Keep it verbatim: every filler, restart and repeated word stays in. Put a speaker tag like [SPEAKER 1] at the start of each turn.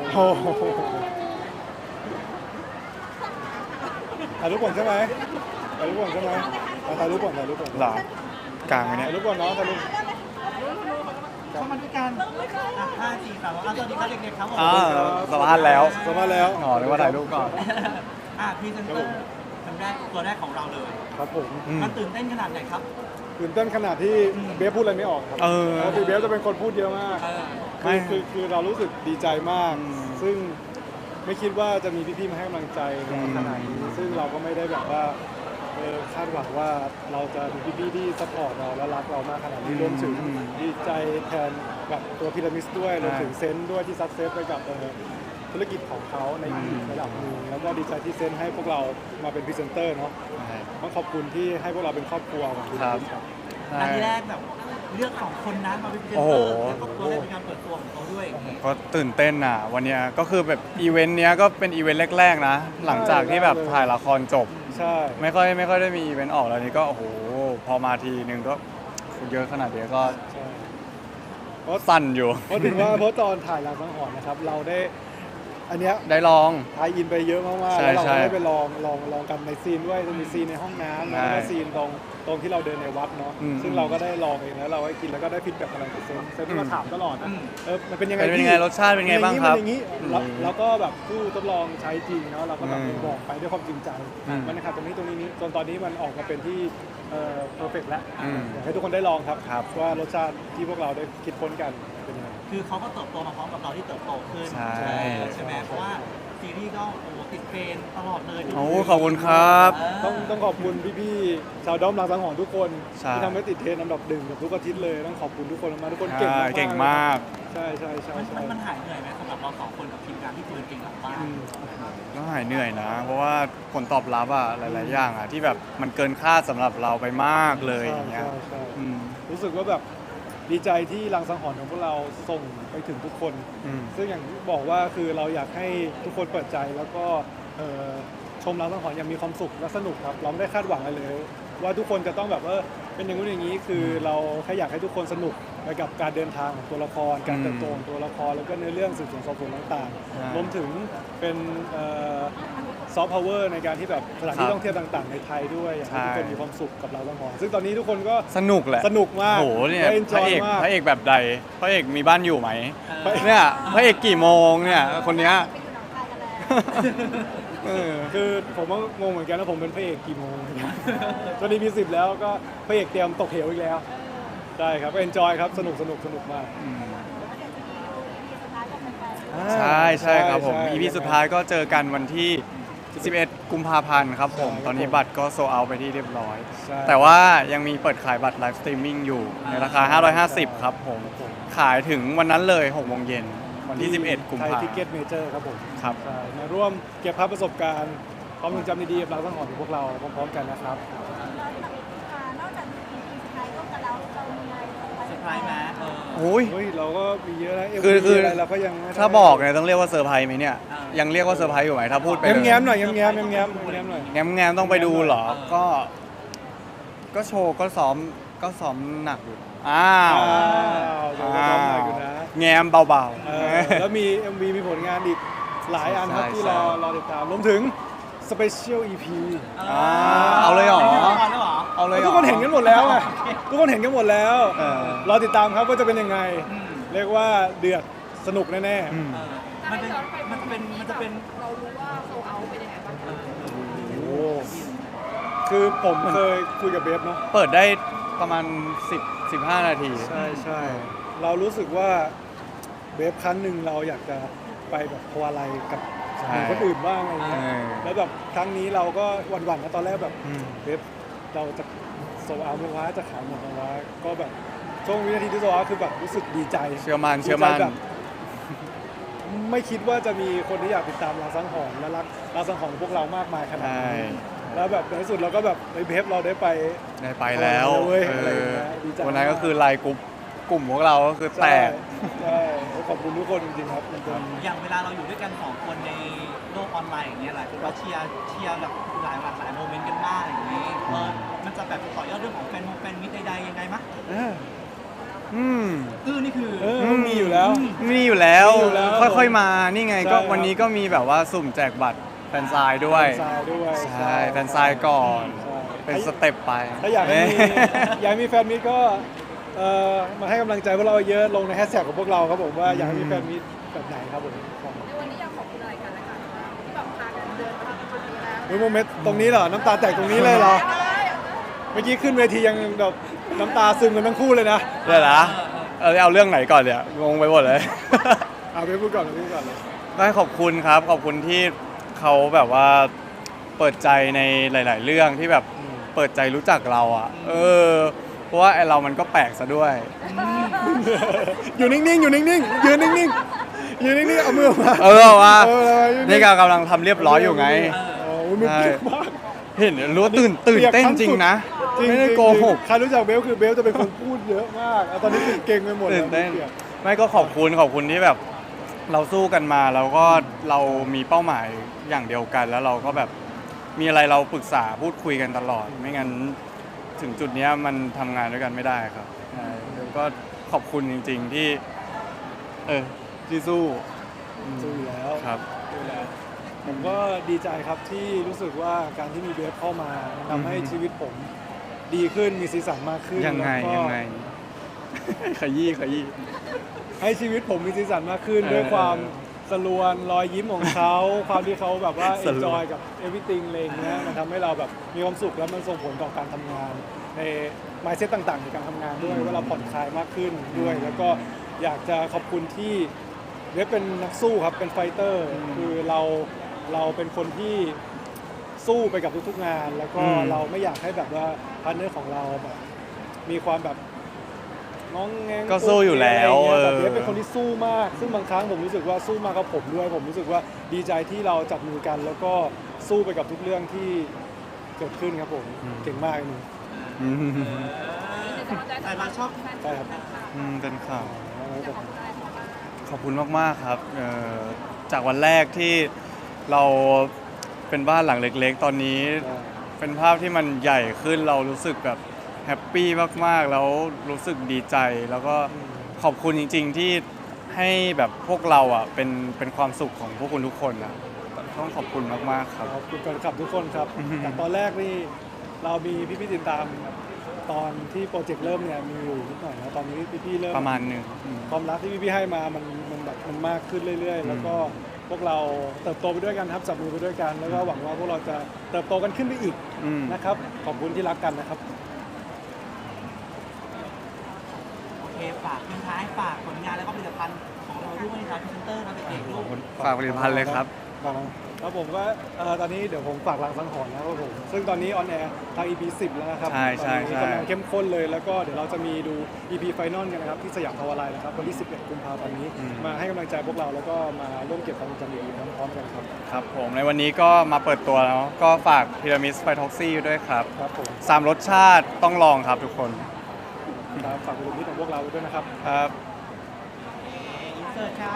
[SPEAKER 1] โอ้โหถ่ายรูปก่อนใช่ไหมถ่ายรูปก่อนใช่ไหมเอาถ่ายรูปก่อนถ่ายรูปก่อน
[SPEAKER 2] หรอกลางไหมเนี่ย
[SPEAKER 1] ถ่ายรูปก่อนน้องถ่ายรูป
[SPEAKER 3] เข้ามาด้วยกันอ่ะห้าสี่สามสวัสดีครับเด็กๆครับผม
[SPEAKER 2] อ่าสัมภาษณ์แล้ว
[SPEAKER 1] สัมภาษณ์แล้ว
[SPEAKER 2] อ๋อนึกว่าถ่ายรูปก่อน
[SPEAKER 3] อ่ะพรีเซนเตอร์ครั้งแรกตัวแรกของเราเลย
[SPEAKER 1] ครับผม
[SPEAKER 2] อืม
[SPEAKER 3] มันตื่นเต้นขนาดไหนครับ
[SPEAKER 1] ตื่นเต้นขนาดที่เบฟพูดอะไรไม่ออกครับ
[SPEAKER 2] เออ
[SPEAKER 1] ปกติเบฟจะเป็นคนพูดเยอะมาก
[SPEAKER 3] เออ
[SPEAKER 1] คือคือคือเรารู้สึกดีใจมาก
[SPEAKER 2] อืม
[SPEAKER 1] ซึ่งไม่คิดว่าจะมีพี่ๆมาให้กำลังใจเราขนาดนี้ ซึ่งเราก็ไม่ได้แบบว่าเออคาดหวังว่าเราจะมีพี่ๆที่ซัพพอร์ตเราและรักเรามากขนาดนี้รวมถึงดีใจแทนกับตัวพีระมิดด้วยรวมถึงเซนต์ด้วยที่ซักเซสไปกับเอ่อธุรกิจของเขาในอีกระดับหนึ่งแล้วก็ดีใจที่เซนต์ให้พวกเรามาเป็นพรีเซนเตอร์เนาะต้องขอบคุณที่ให้พวกเราเป็นครอบครัวของพีระมิดครับ
[SPEAKER 3] อันที่แรกแบบเลือกสองคนนั้นมาเป็นพรีเซน
[SPEAKER 2] โอ้
[SPEAKER 3] เต
[SPEAKER 2] โห
[SPEAKER 3] อร์แล้วก็ตัวแรกเป็นการเปิดตัวของเขาด้วยอย่างงี้
[SPEAKER 2] ก็ตื่นเต้นอ่ะวันเนี้ยก็คือแบบอีเวนต์เนี้ยก็เป็นอีเวนต์แรกๆนะหลังจากที่แบบถ่ายละครจบ
[SPEAKER 1] ใช่
[SPEAKER 2] ไม่ค่อยไม่ค่อยได้มีอีเวนต์ออกแล้วนี่ก็โอ้โหพอมาทีนึงก็เยอะขนาดเนี้ยก็
[SPEAKER 1] ใช่เพราะ
[SPEAKER 2] สั่นอยู่
[SPEAKER 1] เพราะถึงว่าเพราะตอนถ่ายรางสังหรณ์นะครับ เราได้อันเนี้ย
[SPEAKER 2] ได้ลอง
[SPEAKER 1] ทายอินไปเยอะมากๆ
[SPEAKER 2] ใช่
[SPEAKER 1] แล้วเรา
[SPEAKER 2] ใช่
[SPEAKER 1] ก็ได้ไปลองลองลองกันในซีนด้วยจะมีซีนในห้องน้ำแล้วก็
[SPEAKER 2] ใช่
[SPEAKER 1] ซีนตรงตรงที่เราเดินในวัดเนาะ
[SPEAKER 2] อืม
[SPEAKER 1] ซึ่งเราก็ได้ลองเองแล้วเราก็กินแล้วก็ได้ฟีดแบ็กอะไรจากเซนเซนที่มาถามตลอดนะ
[SPEAKER 3] อืม
[SPEAKER 1] เออมันเป็นยังไง
[SPEAKER 2] เป็น
[SPEAKER 1] พี่
[SPEAKER 2] ยังไงรสชาติเป็นไงบ้างครับ
[SPEAKER 1] มันอย่างนี้มันอย่างนี้แล้วแล้วก็แบบผู้ทดลองใช้จริงเนาะเราก็แบบ
[SPEAKER 2] อืม
[SPEAKER 1] บอกไปด้วยความจริงใจ
[SPEAKER 2] อืม
[SPEAKER 1] มันนะครับตรงนี้ตรงนี้นี้จนตอนนี้มันออกมาเป็นที่เอ่อเพอร์เฟกแล้ว
[SPEAKER 2] อืม
[SPEAKER 1] อยากให้ทุกคนได้ลองครับ
[SPEAKER 2] ครับ
[SPEAKER 1] ว่ารสชาติที่พวกเราได้คิดค้นกันเป็นยังไง
[SPEAKER 3] คือเขาก็เติบโตมาพร้อมกับเราที่เติบโตขึ้น
[SPEAKER 2] ใช่
[SPEAKER 3] ใช่ไหมเพราะว่าซีรีส์ก็โอ้โหติดเทรนด์ตลอดเลย
[SPEAKER 2] โอ้ขอบคุณครับ
[SPEAKER 3] เ
[SPEAKER 1] ต้องต้องขอบคุณพี่ๆชาวด้อมรางสังหรณ์ทุกคน
[SPEAKER 2] ใช่
[SPEAKER 1] ที่ทำให้ติดเทรนด์อันดับหนึ่งกับทุกอาทิตย์เลยต้องขอบคุณทุกคนมากทุกคนเก่ง
[SPEAKER 2] ใช่
[SPEAKER 1] มากๆ
[SPEAKER 2] เก่งมาก
[SPEAKER 1] ใช่ใช่ใช่
[SPEAKER 3] มัน
[SPEAKER 1] ใช่
[SPEAKER 3] มันมันหายเหนื่อยไหมสำหรับเราสองคนกับทีมงานที่คุยเก่งหลังบ้าน
[SPEAKER 1] อืม
[SPEAKER 2] ก็หายเหนื่อยนะ เพราะว่าผลตอบรับอะหลาย ๆ อย่างอะที่แบบมันเกินคาดสำหรับเราไปมากเลยอย่างเงี้ย
[SPEAKER 1] ใช่ใช่
[SPEAKER 2] อืม
[SPEAKER 1] รู้สึกว่าแบบดีใจที่รางสังหรณ์ของพวกเราส่งไปถึงทุกคน
[SPEAKER 2] อืม
[SPEAKER 1] ซึ่งอย่างที่บอกว่าคือเราอยากให้ทุกคนเปิดใจแล้วก็เอ่อชมรางสังหรณ์อย่างมีความสุขและสนุกครับ เราไม่ได้คาดหวังอะไรเลย ว่าทุกคนจะต้องแบบว่าเป็นอย่างนู้นอย่างนี้คือเราแค่อยากให้ทุกคนสนุกไปกับการเดินทางของตัวละคร การเติบโตของตัวละครแล้วก็เนื้อเรื่องสืบสวนสอบสวนต่าง
[SPEAKER 2] ใช่
[SPEAKER 1] ๆรวมถึงเป็นซอฟต์พาวเวอร์ในการที่แบบสถานที่
[SPEAKER 2] ครับ
[SPEAKER 1] ท่องเที่ยวต่างๆ ในไทยด้วยอยากให้ทุกคน
[SPEAKER 2] ใช่
[SPEAKER 1] มีความสุขกับเราสังหรณ์ซึ่งตอนนี้ทุกคนก็
[SPEAKER 2] สนุกแหละ
[SPEAKER 1] สนุกมาก
[SPEAKER 2] โอ้โหเนี่ย
[SPEAKER 1] และ
[SPEAKER 2] พระ
[SPEAKER 1] enjoy
[SPEAKER 2] เอก
[SPEAKER 1] มาก
[SPEAKER 2] พระเอกแบบใดพระเอกมีบ้านอยู่ไหม
[SPEAKER 3] เออ
[SPEAKER 2] เนี่ยพระเอกกี่โมงเนี่ยคนเนี้ยเออ
[SPEAKER 1] คือผมก็งงเหมือนกันนะผมเป็นพระเอกกี่โมง ตอนนี้มีสิบแล้วก็พระเอกเตรียมตกเหวอีกแล้วใช่ครับก็เอนจอยครับสนุกสนุกสนุกมาก
[SPEAKER 2] ใช่ใช่ครับผม
[SPEAKER 1] ใช่
[SPEAKER 2] อีพีสุดท้ายก็เจอกันวันที่ สิบเอ็ด กุมภาพันธ์ครับผม
[SPEAKER 1] ใช่ครับ
[SPEAKER 2] ตอนนี้บัตรก็โซเอาไปที่เรียบร้อย
[SPEAKER 1] ใช่
[SPEAKER 2] แต่ว่ายังมีเปิดขายบัตรไลฟ์สตรีมมิ่งอยู่ในราคา ห้าร้อยห้าสิบ ครับผม ขายถึงวันนั้นเลยหกโมงเย็นวันที่ สิบเอ็ด กุม
[SPEAKER 1] ไทย
[SPEAKER 2] ภา
[SPEAKER 1] ทิ
[SPEAKER 2] พัน
[SPEAKER 1] เก็ต
[SPEAKER 2] ธ์
[SPEAKER 1] เมเจอร์ครับผม
[SPEAKER 2] ครับ
[SPEAKER 1] ใช่มาร่วมเก็บภาพประสบการณ์ความทรงจำดีๆกับเราทั้งหมดของพวกเราพร้อมๆกันนะครับ
[SPEAKER 4] นอกจาก อี พี สุดท้ายก็กับเราเรามีอะไร
[SPEAKER 3] เซอร์ไพรส์ไหมเออ
[SPEAKER 2] โอ้ย
[SPEAKER 1] เฮ้ยเราก็มีเยอะนะ
[SPEAKER 2] คือคือ
[SPEAKER 1] อะไรเราก็ยังไม่ได้
[SPEAKER 2] ถ้าบอกเนี่ยต้องเรียกว่าเซอร์ไพรส์ไหมเนี่ย
[SPEAKER 3] อ่ายั
[SPEAKER 2] ยังเรียกว่าเซอร์ไพรส์อยู่ไหมถ้าพูดไป
[SPEAKER 1] แง้มๆหน่อยแง้มๆแง้มๆแง้มๆแง้มๆหน่อย
[SPEAKER 2] แง้มแง้มๆต้องไปดูเหรอ ก็ ก็โชว์ก็ซ้อมก็ซ้อมหนักอยู่อ้าว
[SPEAKER 1] อ้าวเดี๋ยวเราซ้อมหน่อยอยู่นะ
[SPEAKER 2] แง้มเบา
[SPEAKER 1] เออแล้วมี เอ็ม วี มีผลงานอีกหลายอันครับ
[SPEAKER 2] ใช่
[SPEAKER 1] ที่
[SPEAKER 2] ใช่
[SPEAKER 1] รอรอติดตามรวมถึงสเปเชียล อี พี
[SPEAKER 2] อ่าเอาเลยเหรอ
[SPEAKER 3] ไม่ได้ละครแล้วเหรอ
[SPEAKER 2] ๆเอาเลยรอ
[SPEAKER 1] ทุกคนเห็นกันหมดแล้วอะทุกคนเห็นกันหมดแล้ว
[SPEAKER 2] เออ
[SPEAKER 1] รอติดตามครับว่าจะเป็นยังไง
[SPEAKER 3] อืม
[SPEAKER 1] เรียกว่าเดือดสนุกแน่
[SPEAKER 2] อืม
[SPEAKER 3] เออมันเป็นมันจะเป็นมันจะเป็น
[SPEAKER 4] เรารู้ว่าโซเอาเป็นยังไงบ้าง
[SPEAKER 3] เออ
[SPEAKER 1] ๆโอ้คือผมเคยคุยกับเบฟเนาะ
[SPEAKER 2] เปิดได้ประมาณสิบ สิบห้านาที
[SPEAKER 1] ใช่ใช่เรารู้สึกว่าเบฟครั้งหนึ่งเราอยากจะไปแบบพวอะไรกับ
[SPEAKER 2] ใช่
[SPEAKER 1] หนุ่มคนอื่นบ้างอะไรเงี้ย
[SPEAKER 2] เออ
[SPEAKER 1] แล้วแบบครั้งนี้เราก็หวั่นๆนะตอนแรกแบบ
[SPEAKER 2] อืม
[SPEAKER 1] เบฟเราจะโซเอาไหมวะจะขายหมดไหมวะก็แบบช่วงวินาทีที่โซเอาคือแบบรู้สึกดีใจ
[SPEAKER 2] เชื่อมั่นเชื่อมั่น
[SPEAKER 1] ดีใจแบบไม่คิดว่าจะมีคนที่อยากติดตามรางสังหรณ์และรักรางสังหรณ์ของพวกเรามากมายขนาด
[SPEAKER 2] ใช่
[SPEAKER 1] นี้แล้วแบบในที่สุดเราก็แบบในเบฟเราได้ไป
[SPEAKER 2] ได้ไปแล้ว
[SPEAKER 1] เอาเลยเว้ย
[SPEAKER 2] เอ
[SPEAKER 1] อะไรอย่าง
[SPEAKER 2] อ
[SPEAKER 1] เงี้ยดีใจ
[SPEAKER 2] วันนั้นก็คือไลน์กลุ่มกลุ่มพวกเราก็คือแต
[SPEAKER 1] ใช่
[SPEAKER 2] ก
[SPEAKER 1] ใช่ขอบคุณทุกคนจริงๆครับมันเป็น
[SPEAKER 3] อย่างเวลาเราอยู่ด้วยกันสองคนในโลกออนไลน์อย่างเงี้ยหลายคนก็เชียร์เชียร์แบบหลายหลากหลายโมเมนต์กันมากอย่างนี้เออมันจะแบบต่อยอดเรื่องของแฟนมงแฟนมิตรใดๆยังไงมะ
[SPEAKER 1] อ่า
[SPEAKER 2] อืม
[SPEAKER 3] อื้อนี่คือ
[SPEAKER 1] เออมีอยู่แล้ว
[SPEAKER 2] มีอยู่แล้ว
[SPEAKER 1] มีอยู่แล้ว
[SPEAKER 2] ค่อยๆมานี่ไง
[SPEAKER 1] ใช่
[SPEAKER 2] ก็
[SPEAKER 1] ครับ
[SPEAKER 2] วันนี้ก็มีแบบว่าสุ่มแจกบัตรแฟนซายด้วย
[SPEAKER 1] แฟนซายด้วย
[SPEAKER 2] ใช่แฟนซายก่อน
[SPEAKER 1] ใช่
[SPEAKER 2] เป็นสเต็ปไป
[SPEAKER 1] ถ้าอยากให้มี
[SPEAKER 2] เอ๊ะ
[SPEAKER 1] อยากให้มีแฟนมิตก็เอ่อมาให้กำลังใจพวกเราเยอะลงในแฮชแท็กของพวกเราครับผมว่าอยากให้มีแฟนมิตแบบไหนครับผมครับ
[SPEAKER 4] ในวันนี้อยากขอบคุณอะไรกันและกันบ้างที่แบบพากันเดินมาทำนี้แล้ว
[SPEAKER 1] เฮ้ยโมเมนต์ตรงนี้เหรอน้ำตาแตกตรงนี้เลยเหรอเมื่อกี้ขึ้นเวทียังแบบน้ำตาซึมกันทั้งคู่เลยนะ
[SPEAKER 2] เดี๋ยวนะเออเอาเรื่องไหนก่อนเนี่ยงงไปหมดเลย
[SPEAKER 1] เอาไปพูดก่อนไปพูดก่อนเลย
[SPEAKER 2] ก็ขอบคุณครับ ขอบคุณที่เขาแบบว่าเปิดใจในหลาย ๆ เรื่องที่แบบเปิดใจรู้จักเราอ่ะ เออ เพราะว่าไอเรามันก็แปลกซะด้วย
[SPEAKER 1] อยู่นิ่งๆอยู่นิ่งๆยืนนิ่งๆยืนนิ่งๆเอามือออกมา
[SPEAKER 2] เออว่า
[SPEAKER 1] เออเอายื
[SPEAKER 2] นี่ก็กำลังทำเรียบร้อยอยู่ไง
[SPEAKER 1] โอ้ยมันเปียกมาก
[SPEAKER 2] เห็นรู้ว่าตื่นตื่นเต้นจริงนะ
[SPEAKER 1] จริง
[SPEAKER 2] ไม่ได้โกหก
[SPEAKER 1] ใครรู้จักเบลคือเบลจะเป็นคนพูดเยอะมากแล้วตอนนี้คือเก่งไปหมด
[SPEAKER 2] ตื่นเต้น
[SPEAKER 1] ปียก
[SPEAKER 2] ไม่ก็ขอบคุณขอบคุณที่แบบ เราสู้กันมาแล้วก็เรามีเป้าหมายอย่างเดียวกัน แล้วเราก็แบบมีอะไรเราปรึกษาพูดคุยกันตลอด ไม่งั้นถึงจุดเนี้ยมันทำงานด้วยกันไม่ได้ครับใช่แล้วก็ขอบคุณจริง ๆที่ เออที่สู้
[SPEAKER 1] สู้อยู่แล้ว
[SPEAKER 2] ครับ
[SPEAKER 1] สู้อยู่แล้วผมก็ดีใจครับที่รู้สึกว่าการที่มีเบลเข้ามามันทำให้
[SPEAKER 2] อือฮึ
[SPEAKER 1] ชีวิตผมดีขึ้นมีสีสันมากขึ้น
[SPEAKER 2] ยังไง
[SPEAKER 1] แล้วก็
[SPEAKER 2] ยังไง ขยี้ขยี้
[SPEAKER 1] ให้ชีวิตผมมีสีสันมากขึ้น
[SPEAKER 2] เออ
[SPEAKER 1] ด้วยความสลวนรอยยิ้มของเขา ความที่เขาแบบว่า
[SPEAKER 2] สลวน
[SPEAKER 1] enjoy กับ everything อะไรอย่างเงี้ยมันทำให้เราแบบมีความสุขแล้วมันส่งผลต่อการทำงาน ใน mindset ต่างๆในการทำงานด้วยว่าเราผ่อนคลายมากขึ้นด้วย แล้วก็อยากจะขอบคุณที่เว็บเป็นนักสู้ครับเป็นไฟเตอร์คือเราเราเป็นคนที่สู้ไปกับทุกๆงาน แล้วก็
[SPEAKER 2] อืม
[SPEAKER 1] เราไม่อยากให้แบบว่าพาร์ทเนอร์ของเราแบบมีความแบบน้องแงง
[SPEAKER 2] ก็สู้อยู่แล้ว
[SPEAKER 1] อะไรอย่างเงี้ยแต่
[SPEAKER 2] เออ
[SPEAKER 1] เบสเป็นคนที่สู้มาก ซึ่งบางครั้งผมรู้สึกว่าสู้มากกับผมด้วย ผมรู้สึกว่าดีใจที่เราจับมือกัน แล้วก็สู้ไปกับทุกเรื่องที่เกิดขึ้นครับผมเก่งมากเลยหนู
[SPEAKER 2] อืม
[SPEAKER 3] แต่เราชอบ
[SPEAKER 1] ใช่ครับ
[SPEAKER 2] อืมเป็นข่าว
[SPEAKER 4] อยากขอบคุณอะไรเขาบ้าง
[SPEAKER 2] ขอบคุณมาก ๆ ครับเอ่อจากวันแรกที่เราเป็นบ้านหลังเล็ก ๆ ตอนนี้เป็นภาพที่มันใหญ่ขึ้นเรารู้สึกแบบแฮปปี้มาก ๆ แล้วรู้สึกดีใจ แล้วก็ขอบคุณจริง ๆ ที่ให้แบบพวกเราอ่ะเป็นเป็นความสุขของพวกคุณทุกคนนะต้องขอบคุณมาก ๆ ครับ
[SPEAKER 1] ขอบคุณแฟนคลับทุกคนครับ
[SPEAKER 2] อือฮึ
[SPEAKER 1] จากตอนแรกนี่เรามีพี่ๆติดตามตอนที่โปรเจกต์เริ่มเนี่ยมีอยู่นิดหน่อยนะตอนนี้พี่ๆเริ่ม
[SPEAKER 2] ประมาณหนึ่งอืม
[SPEAKER 1] ความรักที่พี่ๆให้มามันมันแบบมันมากขึ้นเรื่อย
[SPEAKER 2] อืม
[SPEAKER 1] ๆแล้วก็พวกเราเติบโตไปด้วยกันครับจับมือไปด้วยกัน แล้วก็หวังว่าพวกเราจะเติบโตกันขึ้นไปอีก
[SPEAKER 2] อืม
[SPEAKER 1] นะครับขอบคุณที่รักกันนะครับ
[SPEAKER 3] โอเคฝากทิ้งท้ายฝากผลงานแล้วก็ผลิตภัณฑ์ของเราด้วยนะครับพรีเซนเตอร์ครับเป็นเอกด้
[SPEAKER 2] ข
[SPEAKER 3] ว
[SPEAKER 2] อบ
[SPEAKER 3] ย
[SPEAKER 2] คุณฝากผลิตภัณฑ์เลยครับ
[SPEAKER 1] ครับผมก็เอ่อตอนนี้เดี๋ยวผมฝากรังสังหรณ์นะครับผมซึ่งตอนนี้ออนแอร์ทาง อี พี สิบแล้วนะครับ
[SPEAKER 2] ใช่ใช่
[SPEAKER 1] ตอนนี้
[SPEAKER 2] ใช่
[SPEAKER 1] กำลังเข้มข้นเลยแล้วก็เดี๋ยวเราจะมีดู อี พี Final กันนะครับที่สยามพาวาไลน์นะครับวันที่สิบเอ็ดกุมภาพันธ์นี้มาให้กำลังใจพวกเราแล้วก็มาร่วมเก็บความทรงจำดีๆพร้อมๆกันครับ
[SPEAKER 2] ครับผมในวันนี้ก็มาเปิดตัวแล้ว ก็ฝากพีระมิดไฟท็อกซี่ด้วยครับ
[SPEAKER 1] ครับผม
[SPEAKER 2] สามรสชาติต้องลองครับทุกคน
[SPEAKER 1] ครับฝากคุณมิตรของพวกเราไว้ด้วยนะครับ
[SPEAKER 2] ครับ
[SPEAKER 3] อินเสิร์ตครับ